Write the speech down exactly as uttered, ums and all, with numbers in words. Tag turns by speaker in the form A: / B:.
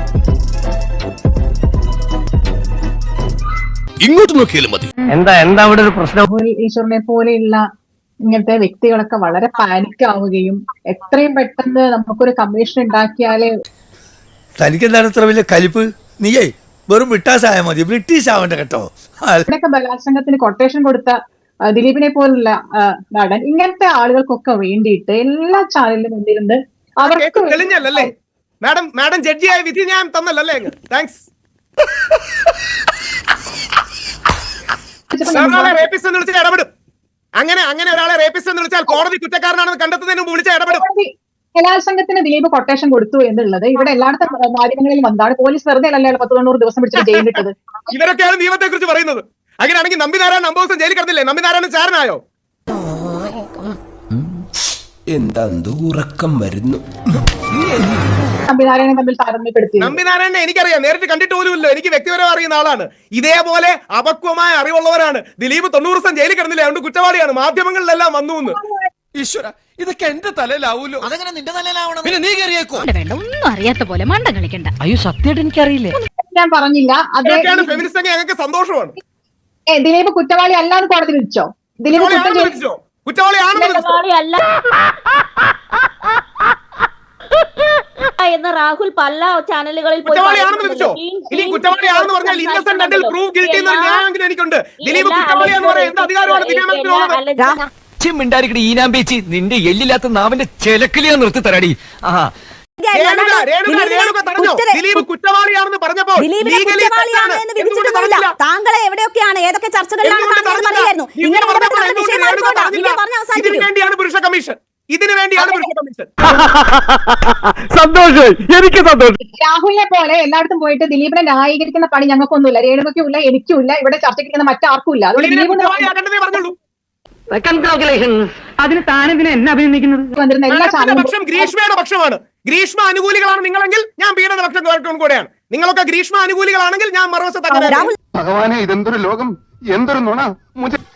A: ഇങ്ങോട്ട് നോക്കിയാലും മതി.
B: എന്താ എന്താ അവിടെ ഒരു പ്രശ്നം?
C: ഈശ്വരനെ പോലെയുള്ള ഇങ്ങനത്തെ വ്യക്തികളൊക്കെ വളരെ പാനിക് ആവുകയും എത്രയും പെട്ടെന്ന് നമുക്കൊരു കമ്മീഷൻ ഉണ്ടാക്കിയാലേ.
D: തനിക്ക് എന്താണ് ഇത്ര വലിയ കലിപ്പ്? നീയേ വെറും ബ്രിട്ടാസായ മതി, ബ്രിട്ടീഷ് ആവണ്ട കേട്ടോ.
C: ഇവിടെയൊക്കെ ബലാത്സംഗത്തിന് കൊട്ടേഷൻ കൊടുത്ത ദിലീപിനെ പോലുള്ള നടൻ ഇങ്ങനത്തെ ആളുകൾക്കൊക്കെ വേണ്ടിയിട്ട് എല്ലാ ചാനലിലും മുന്നിലുണ്ട്. അവർക്ക്
E: തെളിഞ്ഞല്ലേ മാഡം? മാഡം ജഡ്ജിയായ വിധി ഞാൻ തന്നല്ലേ? താങ്ക്സ്. റേപ്പിസ്റ്റ് എന്ന് വിളിച്ചാൽ ഇടപെടും. അങ്ങനെ അങ്ങനെ ഒരാളെ റേപ്പിസ്റ്റ് എന്ന് വിളിച്ചാൽ കോടതി കുറ്റക്കാരനാണെന്ന് കണ്ടെത്തുന്നതിന് മുമ്പ് വിളിച്ചാൽ ഇടപെടും.
C: ബലാത്സംഗത്തിന് ദിലീപ് കൊട്ടേഷൻ കൊടുത്തു എന്നുള്ളത് ഇവിടെ എല്ലായിടത്തും മാധ്യമങ്ങളിൽ വന്നാണ്. പോലീസ് വെറുതെ അല്ല പത്ത് തൊണ്ണൂറ് ദിവസം പിടിച്ചിട്ട് ജയിലിട്ടത്.
E: ഇവരൊക്കെയാണ് നിയമത്തെ കുറിച്ച് പറയുന്നത്. അങ്ങനെയാണെങ്കിൽ നമ്പിനാരായണൻ അമ്പത് ദിവസം ജയിലിൽ കിടന്നില്ലേ? നമ്പിനാരായണൻ ചാരനായോ?
A: എന്താ ഉറക്കം വരുന്നു.
C: നമ്പിനാരായണൻ തമ്മിൽ താരതമ്യപ്പെടുത്തി.
E: നമ്പിനാരായണനെ എനിക്കറിയാം, നേരിട്ട് കണ്ടിട്ട് പോലുമില്ല. എനിക്ക് വ്യക്തിപരം അറിയുന്ന ആളാണ്. ഇതേപോലെ അപക്വമായ അറിവുള്ളവരാണ്. ദിലീപ് തൊണ്ണൂറ് ദിവസം ജയിലിൽ കിടന്നില്ല, അതുകൊണ്ട് കുറ്റവാളിയാണ്. മാധ്യമങ്ങളിലെല്ലാം വന്നു എന്ന്.
A: ഈശ്വര, ഇതൊക്കെ എന്റെ തലയിലാവൂലോ. അതെങ്ങനെ നിന്റെ തലയിലാവണം? പിന്നെ നീ കയറിയേക്കോ.
F: ഒന്നും അറിയാത്ത പോലെ മണ്ടം കളിക്കണ്ട.
B: അയ്യോ സത്യമായിട്ട് എനിക്കറിയില്ലേ.
C: ഞാൻ പറഞ്ഞില്ല.
E: അതൊക്കെയാണ് ഫെമിനിസ്റ്റ്. ഞങ്ങൾക്ക് സന്തോഷമാണ്.
C: ദിലീപ് കുറ്റവാളി അല്ലാന്ന് കോടതി വിധിച്ചോ? ദിലീപ്
E: കുറ്റവാളിയാണെന്ന്
G: എന്ന് രാഹുൽ പല ചാനലുകളിൽ
E: വിധിച്ചോ? ഇനി കുറ്റവാളിയാണെന്ന് പറഞ്ഞാൽ ഇന്നസെന്റ് അണ്ടിൽ പ്രൂവ് ഗിൽറ്റി എന്ന ന്യായം എനിക്കുണ്ട്. ദിലീപ് കുറ്റവാളിയാന്ന് പറയാൻ എന്ത് അധികാരമാണ് ദിലീപിനുള്ളത്?
B: മിണ്ടായിരിക്കടി ഈനാമ്പേച്ചി, നിന്റെ എല്ലില്ലാത്ത നാവിന്റെ ചെലക്കിലിയാ നിർത്തി തരാടി. ആഹാ,
E: ദിലീപ് കുറ്റവാളിയാണെന്ന് പറഞ്ഞപ്പോ
G: താങ്കളെ എവിടെയൊക്കെയാണ് ഏതൊക്കെ ചർച്ചകളിലാണ്
E: ഇതിനു വേണ്ടിയാണ് പുരുഷ കമ്മീഷൻ. ഇതിനു വേണ്ടിയാണ് പുരുഷ കമ്മീഷൻ.
B: സന്തോഷം, എനിക്ക് സന്തോഷം.
C: രാഹുലിനെ പോലെ എല്ലായിടത്തും പോയിട്ട് ദിലീപിനെ ന്യായീകരിക്കുന്ന പണി ഞങ്ങൾക്കൊന്നുമില്ല. രേണുകയ്ക്കും ഇല്ല, എനിക്കും ഇല്ല, ഇവിടെ ചർച്ചയ്ക്ക് മറ്റാർക്കും ഇല്ല.
E: പറഞ്ഞോളൂ.
B: അതിന് താനെന്തിനാ എന്നെ അഭിനന്ദിക്കുന്നത്?
C: എല്ലാ ചാനലും
E: പക്ഷം ഗ്രീഷ്മയുടെ പക്ഷമാണ്. ഗ്രീഷ്മ അനുകൂലികളാണ് നിങ്ങളെങ്കിൽ ഞാൻ പീഡന പക്ഷം കൂടെയാണ്. നിങ്ങളൊക്കെ ഗ്രീഷ്മ അനുകൂലികളാണെങ്കിൽ ഞാൻ മറുവശത്ത്.
H: ഭഗവാനെ, ഇതെന്തൊരു ലോകം, എന്തൊരു നുണ.